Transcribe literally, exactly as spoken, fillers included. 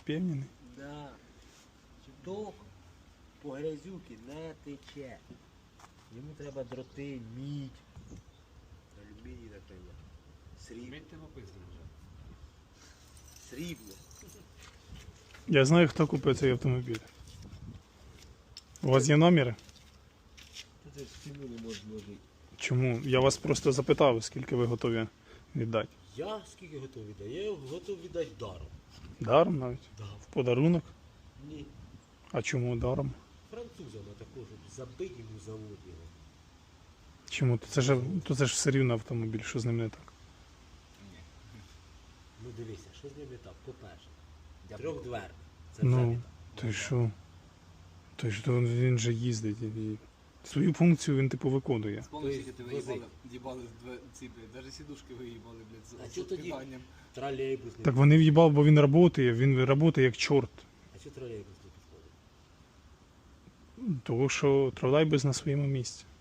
впевнений. Да. Ток по грязюки не тече. Йому треба дроти, мідь. Алюміній, наприклад. Срібло. Мідь тебе пиздили вже. Срібло. Я знаю, хто купив цей автомобіль. У вас є номери? Та це ж ціну не можна зложити. Чому? Я вас просто запитав, скільки ви готові віддати. Я скільки готовий віддати? Я його готовий віддати даром. Даром навіть? Да. В подарунок? Ні. А чому даром? Французами також забить йому завод його. Чому? То це ж, то це ж все рівно автомобіль, що з ним не так. Ну дивися, що з ним не так? По-перше, трьохдверний. Це вже Ну, не так. то й що? То й що він же їздить і свою функцію він типу виконує. Спомни, Тобто скільки ти возить. виїбали, їбали з две- ці, блядь, навіть сідушки виїбали, блядь, А з, чого з тоді? питанням. Тролейбус не Так вони в'їбав, бо він працює, він працює як чорт. А що тролейбус не підходить? Тому що тролейбус на своєму місці.